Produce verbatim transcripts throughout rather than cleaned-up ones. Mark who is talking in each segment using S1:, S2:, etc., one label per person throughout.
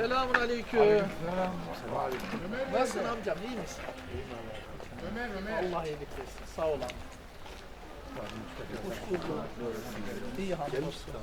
S1: Selamun aleyküm. Nasılsın amcam, iyi misin?
S2: Ömer, Ömer.
S1: Allah iyilik versin, sağ ol amca. Hoş bulduk. İyi hamdolsun.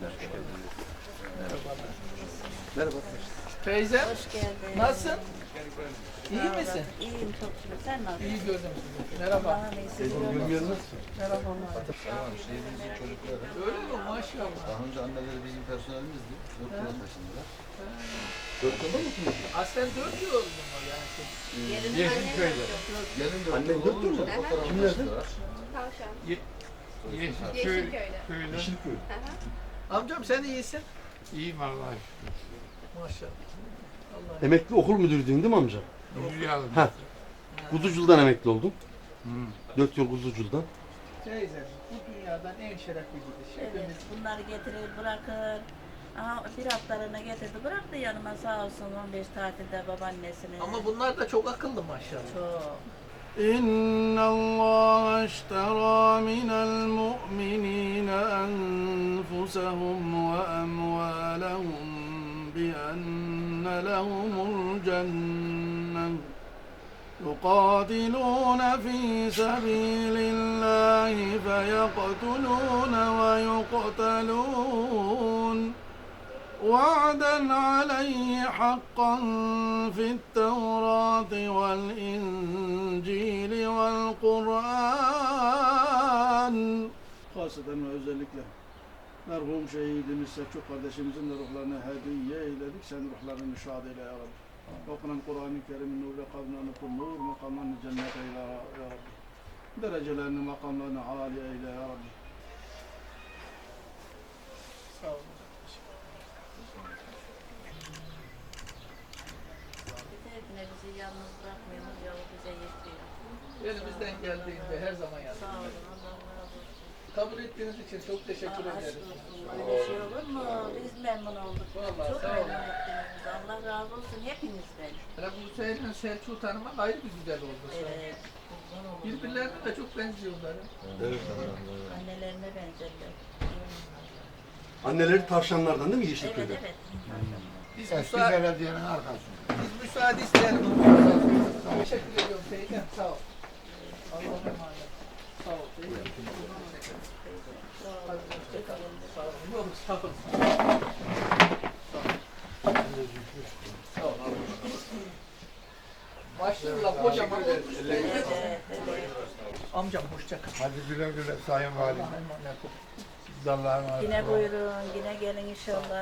S3: Merhaba.
S1: Teyzem,
S4: Hoş geldin.
S1: nasılsın? İyi misin?
S4: İyiyim çok şükür. Sen nasılsın?
S1: İyi gördüm sizi. Merhaba.
S4: Allah'ın iyisi.
S3: Görmüyor musun?
S1: Merhabalar.
S3: Tamam, şehrimizin çocukları.
S1: Öyle mi? Maşallah.
S3: Daha önce anneleri bizim personelimizdi. Dört yıla taşındılar. Dört yılda mı okumuşsun?
S1: Aslen dört yıl oldu mu yani?
S2: Yeşilköy'de.
S3: Gelin dört
S5: Anne
S3: yıl
S5: dört yıl
S3: olunca
S5: mı?
S3: fotoğrafı
S5: Kimlerdi?
S3: taşıdılar.
S6: Tavşan.
S2: Yeşilköy
S6: Yeşilköy'de.
S2: köyde.
S5: Yeşilköy.
S1: Amcam sen iyisin.
S2: İyiyim Allah'a şükür.
S1: Maşallah. Allah
S5: Emekli okul müdürüydün değil mi amca?
S2: Yürüyelim.
S5: Ha. Kuzucul'dan emekli oldum. Dört yıl Kuzucul'dan.
S1: Teyzem, bu dünyadan en şerefli gidiş.
S4: Evet,
S1: Hepimiz
S4: bunları getirir bırakır. Aha, bir haftalarına getirdi bıraktı yanıma sağ olsun on beş tatilde babaannesini.
S1: Ama bunlar da çok akıllı maşallah.
S4: Çok.
S7: إن الله اشترى من المؤمنين أنفسهم وأموالهم بأن لهم الجنة يقاتلون في سبيل الله فيقتلون ويقتلون وعدا عليه حقا في التوراة والإنجيل والقرآن. Hasreten ve özellikle merhum şehidimiz Selçuk kardeşimizin de ruhlarına hediye eyledik. Sen ruhlarını şad eyle ya Rabbi. Okunan Kur'an-ı Kerim'in nurla kavnanı kul nur, makamlarını cennet eyle ya Rabbi. Derecelerini, makamlarını âli eyle ya Rabbi.
S1: Sağ olun.
S4: Bize bizi yalnız bırakmıyorsunuz yolu bize yetiyor.
S1: Elimizden geldiğinde her zaman
S4: Sağ
S1: yardım.
S4: olun Allah razı olsun.
S1: Kabul ettiğiniz için çok teşekkür
S4: Aa, aşk
S1: ederiz.
S4: olsun. Öyle şey olur mu? Biz memnun olduk.
S1: Vallahi
S4: Çok
S1: sağ olun.
S4: memnun ettiniz bizi. Allah razı olsun hepinizden.
S1: Hele bu senin Selçuk'u tanımak ayrı bir güzel oldu.
S4: Evet.
S1: Birbirlerine de çok benziyorlar.
S3: Evet.
S4: Annelerine benzerler.
S5: Anneleri tavşanlardan değil mi
S4: Evet
S5: Yeşilköy'de?
S4: evet.
S1: Biz
S2: Eski
S1: müsaade,
S2: belediyenin arkasında.
S1: biz müsaade isteyelim. Teşekkür ediyorum teyzem. Sağ ol. Allah'a emanet. Sağ ol teyzem. Hadi hoşça kalın. Sağ ol. Yok sağ ol. Sağ ol. Başlıyorlar kocaman olmuş teyzem.
S4: Evet, evet.
S1: Amcam hoşça kal.
S2: Hadi güle güle Sayın Valim.
S1: Allah'a emanet ol.
S2: Siz de Allah'a emanet
S4: Yine
S2: olun.
S4: buyurun, yine gelin inşallah.